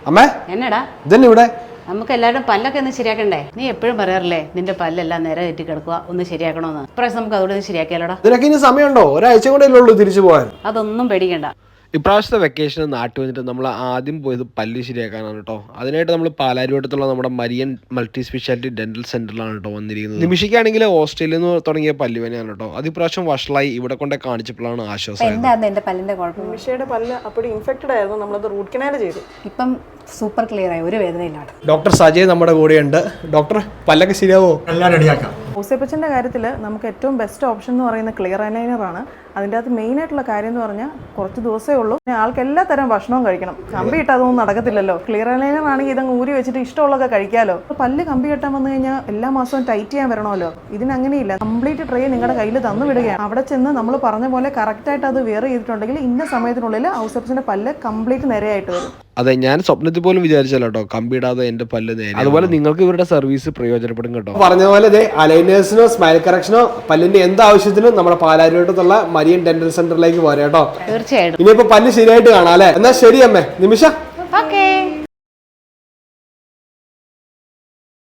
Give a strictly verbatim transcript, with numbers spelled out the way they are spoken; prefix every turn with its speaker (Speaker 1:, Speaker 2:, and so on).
Speaker 1: അമ്മേ
Speaker 2: എന്നടാ
Speaker 1: ഇതന്നെ ഇവിടെ
Speaker 2: നമുക്ക് എല്ലാവരും പല്ലൊക്കെ ഒന്ന് ശരിയാക്കണ്ടേ? നീ എപ്പോഴും പറയാറില്ലേ നിന്റെ പല്ലെല്ലാം നേരെ തെറ്റി കിടക്കുക, ഒന്ന് ശരിയാക്കണമെന്ന്. ഇപ്രാവശ്യം നമുക്ക് അതുകൊണ്ട് ഒന്ന് ശരിയാക്കിയാലോടാ.
Speaker 1: ഇതിനൊക്കെ ഇനി സമയമുണ്ടോ? ഒരാഴ്ച കൊണ്ടേ ഉള്ളൂ തിരിച്ചു പോകാൻ.
Speaker 2: അതൊന്നും പേടിക്കണ്ട.
Speaker 3: ഇപ്രാവശ്യത്തെ വെക്കേഷന് നാട്ടിൽ വന്നിട്ട് നമ്മൾ ആദ്യം പോയത് പല്ല് ശരിയാക്കാനാണ് കേട്ടോ. അതിനായിട്ട് നമ്മൾ പാലാരിവട്ടത്തുള്ള നമ്മുടെ മരിയൻ മൾട്ടി സ്പെഷ്യാലിറ്റി ഡെന്റൽ സെന്ററിലാണ് കേട്ടോ വന്നിരിക്കുന്നത്. നിമിഷയ്ക്കാണെങ്കിൽ ഓസ്ട്രേലിയയിൽ നിന്ന് തുടങ്ങിയ പല്ലുവേനയാണ് കേട്ടോ. അത് ഇപ്രാവശ്യം വഷളായി ഇവിടെ കൊണ്ടേ കാണിച്ചപ്പോഴാണ് ആശ്വാസം.
Speaker 4: എന്തായിരുന്നു എന്റെ പല്ലിന്റെ കുഴപ്പം?
Speaker 5: നിമിഷയുടെ പല്ല് അപ്പോൾ ഇൻഫെക്റ്റഡ് ആയിരുന്നു, നമ്മളത് റൂട്ട് കനാൽ ചെയ്തു.
Speaker 4: ഇപ്പം സൂപ്പർ ക്ലിയർ ആയി, ഒരു വേദനയില്ലാതെ.
Speaker 1: ഡോക്ടർ സജയ് നമ്മുടെ കൂടെയുണ്ട്. ഡോക്ടർ പല്ലൊക്കെ ശരിയാവോ?
Speaker 6: എല്ലാം റെഡിയാക്കാം.
Speaker 5: ഓസിയപ്പച്ചൻ്റെ കാര്യത്തിൽ നമുക്ക് ഏറ്റവും ബെസ്റ്റ് ഓപ്ഷൻ എന്ന് പറയുന്ന ക്ലിയർ അലൈനറാണ്. അതിൻ്റെ അകത്ത് മെയിൻ ആയിട്ടുള്ള കാര്യം എന്ന് പറഞ്ഞാൽ കുറച്ച് ദിവസമേ ഉള്ളൂ, ആൾക്ക് എല്ലാ തരം ഭക്ഷണവും കഴിക്കണം. കമ്പി ഇട്ട് അതൊന്നും നടക്കത്തില്ലല്ലോ. ക്ലിയർ അലൈനർ ആണെങ്കിൽ ഇതങ്ങ് ഊരി വെച്ചിട്ട് ഇഷ്ടമുള്ളതൊക്കെ കഴിക്കാമല്ലോ. പല്ല് കമ്പി കെട്ടാൻ വന്നു കഴിഞ്ഞാൽ എല്ലാ മാസവും ടൈറ്റ് ചെയ്യാൻ വരണമല്ലോ. ഇതിനങ്ങനെയില്ല, കംപ്ലീറ്റ് ട്രേ നിങ്ങളുടെ കയ്യിൽ തന്നു വിടുകയാണ്. അവിടെ ചെന്ന് നമ്മൾ പറഞ്ഞ പോലെ കറക്റ്റായിട്ട് അത് വെയർ ചെയ്തിട്ടുണ്ടെങ്കിൽ ഇന്ന സമയത്തിനുള്ളിൽ ഓസിയപ്പച്ചൻ്റെ പല്ല് കംപ്ലീറ്റ് നിരയായിട്ട് വരും.
Speaker 3: അതെ, ഞാൻ സ്വപ്നത്തിൽ പോലും വിചാരിച്ചല്ലോ കേട്ടോ കമ്പിടാതെ എന്റെ പല്ല് നേരെ. അതുപോലെ നിങ്ങൾക്ക് ഇവരുടെ സർവീസ് പ്രയോജനപ്പെടും കേട്ടോ.
Speaker 1: പറഞ്ഞ പോലെ ഇതേ അലൈനേഴ്സിനോ സ്മൈൽ കറക്ഷനോ പല്ലിന്റെ എന്ത് ആവശ്യത്തിനും നമ്മുടെ പാലാരിവട്ടത്തുള്ള മരിയൻ ഡെന്റൽ സെന്ററിലേക്ക് പോരാ കേട്ടോ.
Speaker 2: തീർച്ചയായിട്ടും.
Speaker 1: ഇനിയിപ്പോ പല്ല് ശരിയായിട്ട് കാണാം അല്ലേ? എന്നാ ശരി അമ്മേ. നിമിഷ